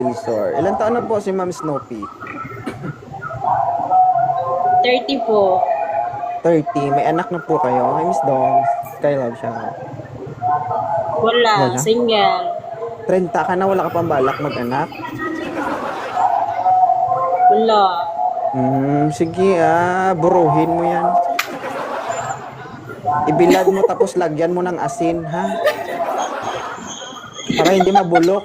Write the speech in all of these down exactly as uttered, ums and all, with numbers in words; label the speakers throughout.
Speaker 1: Resort. Ilan taon na po si Ma'am Snoopy?
Speaker 2: thirty po.
Speaker 1: thirty. May anak na po kayo? Hi, Miss Dong. Skylab siya.
Speaker 2: Wala,
Speaker 1: Wala?
Speaker 2: single.
Speaker 1: thirty ka na, wala ka pang balak mag-anak?
Speaker 2: Wala.
Speaker 1: Hmm, sige ah, buruhin mo yan. Ibilad mo tapos lagyan mo ng asin, ha? Para hindi mabulok.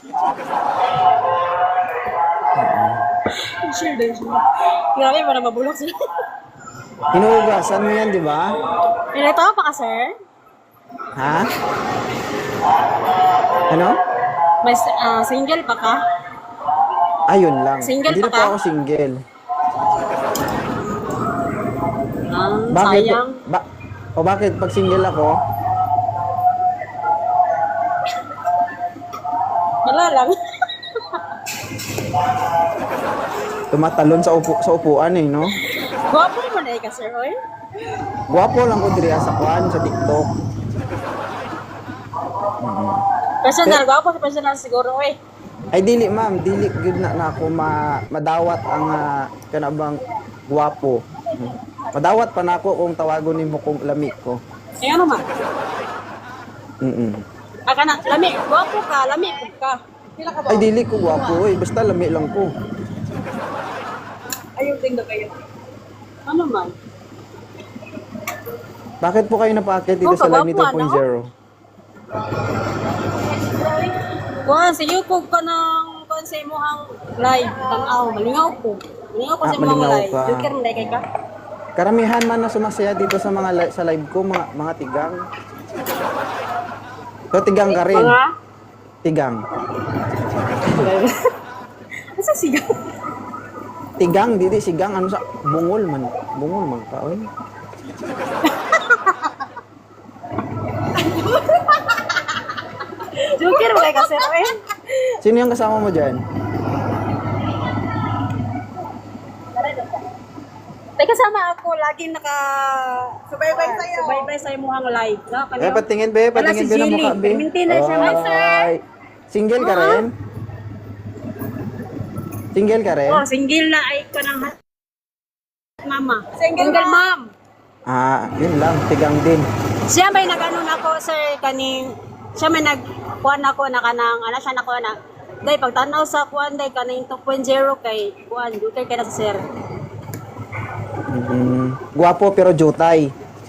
Speaker 2: Sure din siya. Grabe, para mabulok siya.
Speaker 1: Hinuhugasan mo yan, di ba?
Speaker 2: Nilito pa ka, sir?
Speaker 1: Ha? Ano?
Speaker 2: May ah, single pa ka?
Speaker 1: Ayun lang.
Speaker 2: Single
Speaker 1: Hindi
Speaker 2: pa
Speaker 1: na po
Speaker 2: ka?
Speaker 1: ako single.
Speaker 2: Ah,
Speaker 1: Bakit?
Speaker 2: sayang.
Speaker 1: Ba o bakit pag single ako,
Speaker 2: Wala lang.
Speaker 1: tumatalon sa upo sa upuan eh, no?
Speaker 2: Gwapo mo na eh ka, sir, oy.
Speaker 1: Guwapo lang ko diri sa kwan sa TikTok.
Speaker 2: Personal, gwapo sa personal siguro, oy.
Speaker 1: Ay dili ma'am, dili gud na, na ako ma, madawat ang uh, kanabang guwapo. Madawat pa na ako kung tawagon nimo kong lami ko.
Speaker 2: Eh, ano man?
Speaker 1: Mm.
Speaker 2: Aka na, lami, gwapo ka, lami ka. Pila ka ba?
Speaker 1: Ay dili ko guwapo, eh, basta lami lang ko.
Speaker 2: Ayaw tingnan kayo. Ano man?
Speaker 1: Bakit po kayo napaakyat dito
Speaker 2: Oh,
Speaker 1: sa Live
Speaker 2: kagwapo,
Speaker 1: two point oh?
Speaker 2: Kuhan, sa YouTube ka ng kuhan sa imuhang live. Tanaw, malingaw ko. Malingaw ko
Speaker 1: Ah,
Speaker 2: sa imuhang
Speaker 1: malingaw
Speaker 2: live.
Speaker 1: ka.
Speaker 2: Joker mo kay ka?
Speaker 1: Karamihan man na sumasaya dito sa mga li- sa live ko, mga mga tigang. So tigang ka rin.
Speaker 2: Mga?
Speaker 1: Tigang.
Speaker 2: Asa sigaw?
Speaker 1: Tigang, didi sigang ano sa bungol man. Bungol man ka, oy.
Speaker 2: Joker mo kay ka, sir, eh.
Speaker 1: Sino yung kasama mo diyan?
Speaker 2: Tay kasama ako, laging naka subaybay sa iyo. Subaybay sa imuhang live, no?
Speaker 1: Eh, patingin be,
Speaker 2: Wala
Speaker 1: patingin
Speaker 2: si
Speaker 1: be ng
Speaker 2: Jilly.
Speaker 1: mukha be.
Speaker 2: Permintina siya, my sir.
Speaker 1: Ay, single ka
Speaker 2: Oo.
Speaker 1: rin? Single ka rin?
Speaker 2: Oh, single na ay ko ng mama. Single, mom.
Speaker 1: Ah, yun lang, tigang din.
Speaker 2: Siya may nag-ano na ako, sir, kaning, siya may nag-kuhan ako na kanang, ano siya na kuha na, day, pagtanaw sa kuhan, day, kaning two point oh kay, kuhan, jutay kay na sa sir.
Speaker 1: Mm, guwapo pero jutay.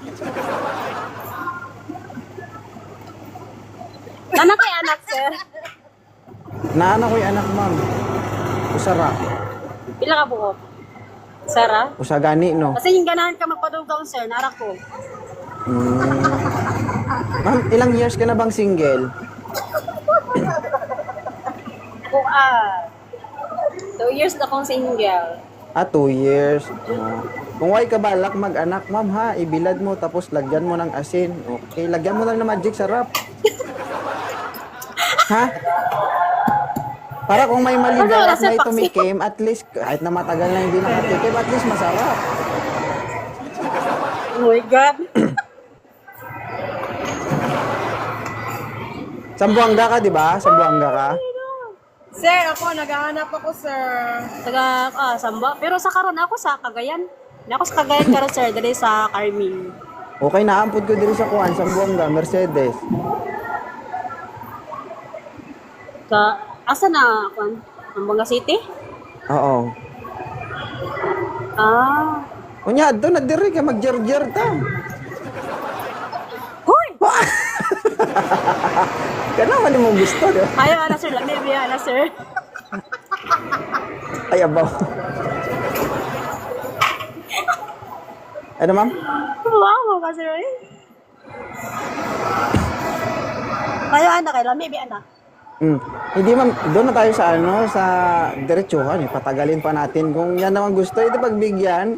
Speaker 2: Anak kay anak, sir.
Speaker 1: Naana ko yung anak, ma'am. Usara.
Speaker 2: Pila ka buhok? Sara?
Speaker 1: Usagani, no?
Speaker 2: Kasi yung ganahan ka magpadugaw, sir, nara ko.
Speaker 1: Mm. Ma'am, ilang years ka na bang single?
Speaker 2: Kung ah, two years na akong single.
Speaker 1: Ah, two years. Ah. Kung why ka balak mag-anak, ma'am ha, ibilad mo tapos lagyan mo ng asin. Okay, lagyan mo lang ng magic sarap. Ha? Para kung may maligaw
Speaker 2: Ano,
Speaker 1: at
Speaker 2: nasa
Speaker 1: may
Speaker 2: paksiw?
Speaker 1: tumikim, at least kahit na matagal na hindi nakatikim, at least masarap.
Speaker 2: Oh my God.
Speaker 1: Sambuanga ka, di ba? Sambuanga ka.
Speaker 3: Sir, ako, naghahanap ako, sir.
Speaker 2: Taga, ah, Samba. Pero sa karon ako sa Cagayan. Ako sa Cagayan karon, sir, dali sa Carmine.
Speaker 1: Okay, naampod ko dito sa kuhan, Sambuanga, Mercedes.
Speaker 2: Sa, asa na, kuan? Amboanga City?
Speaker 1: Oo.
Speaker 2: Ah.
Speaker 1: Unya, doon na diri ka mag-jer-jer ta.
Speaker 2: Hoy!
Speaker 1: Kana man mo gusto, di ba?
Speaker 2: Ayaw, ana, sir. Lami, biya, ana, sir.
Speaker 1: Ay, abaw. Ano, ma'am?
Speaker 2: Wow, ka, sir, eh. Ayaw, ana, kay Lami, biya, ana.
Speaker 1: Mm. Hindi, ma'am. Doon na tayo sa ano, sa diretsuhan. Eh. Patagalin pa natin. Kung yan naman gusto, ito pagbigyan.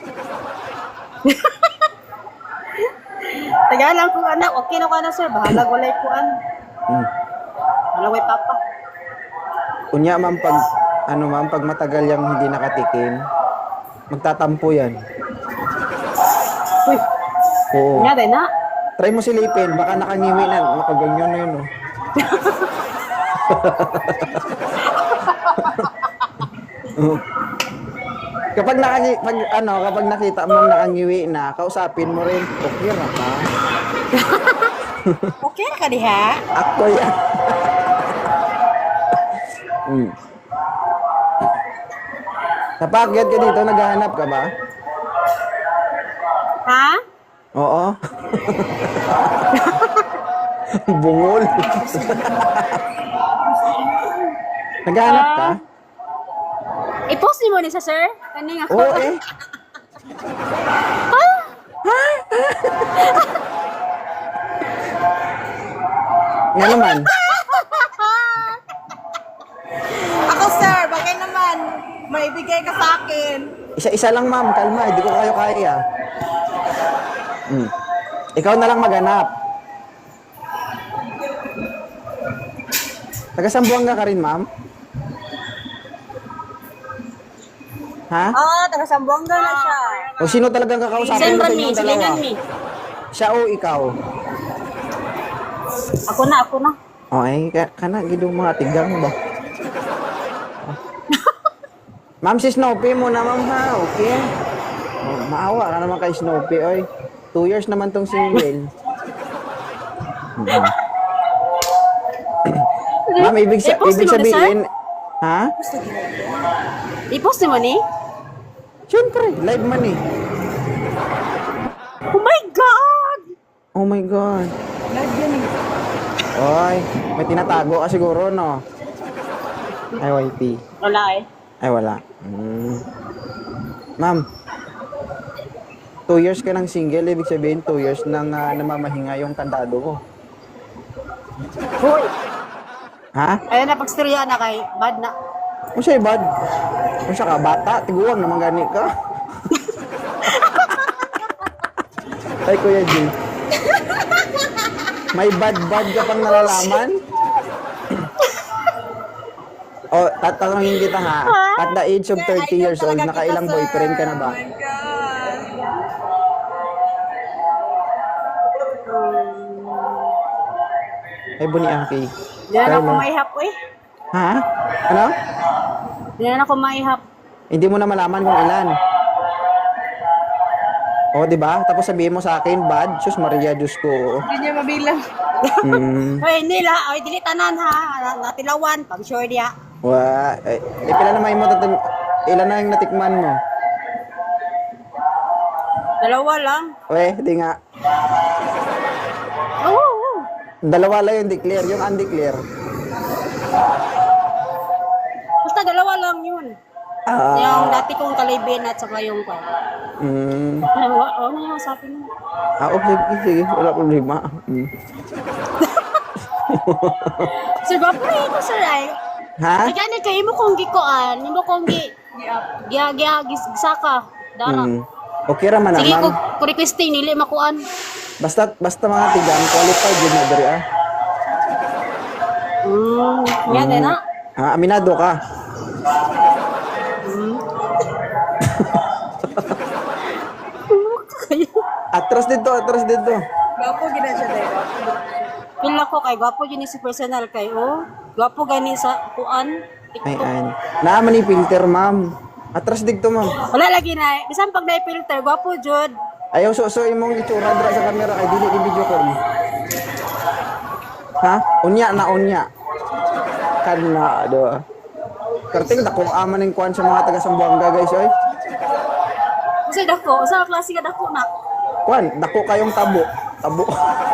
Speaker 2: Taga lang kung anak, okay na ko na, sir. Bahala ko lang kuan.
Speaker 1: Mm.
Speaker 2: Bahala ko papa.
Speaker 1: Kunya, ma'am, pag, ano, ma'am, pag matagal yung hindi nakatikim, magtatampo yan.
Speaker 2: Uy,
Speaker 1: Oo.
Speaker 2: nga din na.
Speaker 1: Try mo silipin, baka nakangiwi na, nakaganyan na yun, oh. Oh. Kapag nakaki pag, ano, kapag nakita mong nakangiwi na, kausapin mo rin, okay ra ka.
Speaker 2: Okay na ka diha?
Speaker 1: Ako yan. Hmm. Napakyat ka dito, naghahanap ka ba?
Speaker 2: Ha?
Speaker 1: Oo. Bungol. Naghahanap ka?
Speaker 2: I-post ni mo ni sa sir? Kaning ako.
Speaker 1: Oo eh. Nga naman.
Speaker 3: Ako, sir, bakit naman? May ibigay ka sa akin.
Speaker 1: Isa-isa lang ma'am, kalma, hindi ko kayo kaya. Hmm. Ikaw na lang maghanap. Taga-Sambuanga ka rin, ma'am? Ha?
Speaker 2: Ah, taga Sambuanga na siya.
Speaker 1: O sino talagang kakausapin mo
Speaker 2: Sembran
Speaker 1: sa
Speaker 2: mi,
Speaker 1: inyong dalawa?
Speaker 2: silingan mi.
Speaker 1: Siya o ikaw?
Speaker 2: Ako na, ako na.
Speaker 1: O ay, ka, kana, gidong mga tigang ba? Ma'am, si Snoopy mo na, ma'am, ha? Okay? Oh, maawa ka naman kay Snoopy, oy. Two years naman tong single. Mhm. Ma'am, ibig, sa,
Speaker 2: Eh, post
Speaker 1: ibig
Speaker 2: mo na,
Speaker 1: sabihin... Ha?
Speaker 2: I-post ni mo ni?
Speaker 1: Siyempre, live man eh.
Speaker 2: Oh my God!
Speaker 1: Oh my God.
Speaker 3: Live yan eh.
Speaker 1: Oy, may tinatago ka siguro, no? Ay, Y P.
Speaker 2: Wala eh.
Speaker 1: Ay, wala. Hmm. Ma'am, two years ka ng single, ibig sabihin two years nang ah, namamahinga yung kandado ko.
Speaker 2: Hoy!
Speaker 1: Ha?
Speaker 2: Ayun na, pagsteriya na kay bad na.
Speaker 1: Ano siya, bad? Ano siya ka, bata? Tiguang naman gani ka. Ay, Kuya G. May bad-bad ka pang nalalaman? O, tatanungin kita ha. At the age of thirty years old, nakailang boyfriend ka na ba?
Speaker 3: Oh my God.
Speaker 1: Ay, buni Aki.
Speaker 2: Hindi na ako
Speaker 1: Carlo.
Speaker 2: maihap eh.
Speaker 1: Ha? Ano?
Speaker 2: Hindi na ako maihap.
Speaker 1: Hindi mo na malaman kung ilan. O, di ba? Tapos sabihin mo sa akin, bad. Sus Maria, Diyos ko.
Speaker 3: Hindi niya mabilang.
Speaker 1: Mm.
Speaker 2: Hoy, hindi la. Hoy, dili tanan ha. Na- Natilawan. Pag sure diya.
Speaker 1: Wa, eh, eh pila naman mo tatin, ilan na yung natikman mo?
Speaker 2: Dalawa lang.
Speaker 1: We, di nga.
Speaker 2: Oo. Oh,
Speaker 1: Dalawa lang yung declare, yung undeclare.
Speaker 2: Basta dalawa lang yun.
Speaker 1: Ah,
Speaker 2: Yung dati kong kalibin at saka yung pa.
Speaker 1: mm,
Speaker 2: Ano ano yung sabi mo?
Speaker 1: ah, okay, sige, sige, wala problema. Mm.
Speaker 2: Sir, bapre ito sir ay.
Speaker 1: Ha?
Speaker 2: Ay gani kay mo kong gikuan, mo kong gi giya giya gisaka. Dara.
Speaker 1: Mm. Okay ra man,
Speaker 2: Sige ko
Speaker 1: ma'am.
Speaker 2: ko requesting nili makuan.
Speaker 1: Basta, basta mga tigang, qualified yun na diri, ah.
Speaker 2: Hmm, yan din na.
Speaker 1: Ah, aminado ka. Atras dito, atras dito.
Speaker 3: Gapo gina siya dahil.
Speaker 2: Pila ko kay gwapo yun ni si personal kay oh. Gwapo gani sa kuan.
Speaker 1: Ay, ay. Naaman ni filter, ma'am. Atras dito, ma'am.
Speaker 2: Wala lagi na. Bisan pag na filter, gwapo jud.
Speaker 1: Ayaw so so imong itsura dira sa camera kay dili ni video call. Ha? Unya na unya. Kana do. Karting dakong aman ning kuan sa mga taga Sambuanga guys oy.
Speaker 2: Kasi dako, sa klase ka dako na.
Speaker 1: Kuan, dako kayong tabo. Tabo.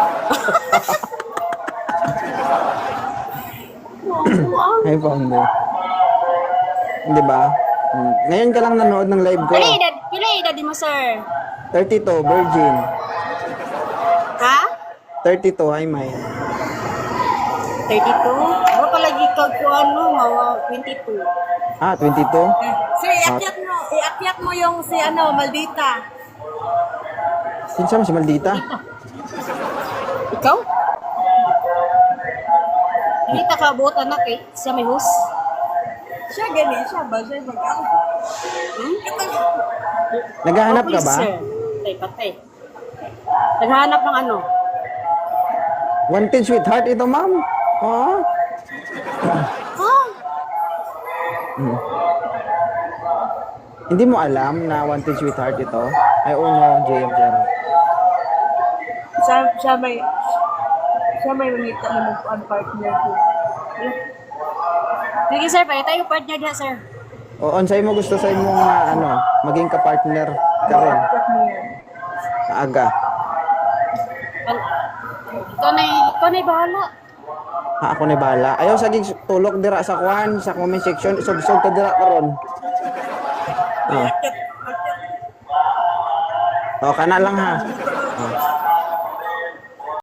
Speaker 1: Ay pambe. Di ba? Hmm. Ngayon ka lang nanood ng live ko.
Speaker 2: Pila edad, pila edad mo sir?
Speaker 1: thirty-two, virgin.
Speaker 2: Ha?
Speaker 1: thirty-two, ay may.
Speaker 2: thirty-two? Bro palagi kag kuan mo, mga twenty-two.
Speaker 1: Ah, twenty-two?
Speaker 3: Sir, iakyat mo. Iakyat mo yung si ano, Maldita.
Speaker 1: Kinsa man si Maldita?
Speaker 2: Ikaw? Hindi ta kabuot anak eh. Siya may host.
Speaker 3: Siya gani siya ba? Siya mag-out.
Speaker 2: Hmm?
Speaker 1: Naghahanap
Speaker 2: Oh,
Speaker 1: ka
Speaker 2: please,
Speaker 1: ba?
Speaker 2: Sir. Patay, patay. Naghahanap ng ano?
Speaker 1: Wanted sweetheart ito, ma'am. Oh.
Speaker 2: Ha?
Speaker 1: Mhm. Hindi mo alam na Wanted Sweetheart ito? Ay, oo, no, J M Zero.
Speaker 3: Siya, siya may, siya may mangita na mag-on partner ko.
Speaker 2: Sige sir, pwede tayo partner diha sir.
Speaker 1: O, unsay mo gusto sa imong ah, ano, maging ka-partner ka rin?
Speaker 3: Partner.
Speaker 1: Aga.
Speaker 2: Al- Ikaw na, ikaw na bahala.
Speaker 1: Ha, ako ni bala. Ayaw saging tulok dira sa kwan, sa comment section, isog-isog ka dira karon. Oh. Oh, kana lang ha.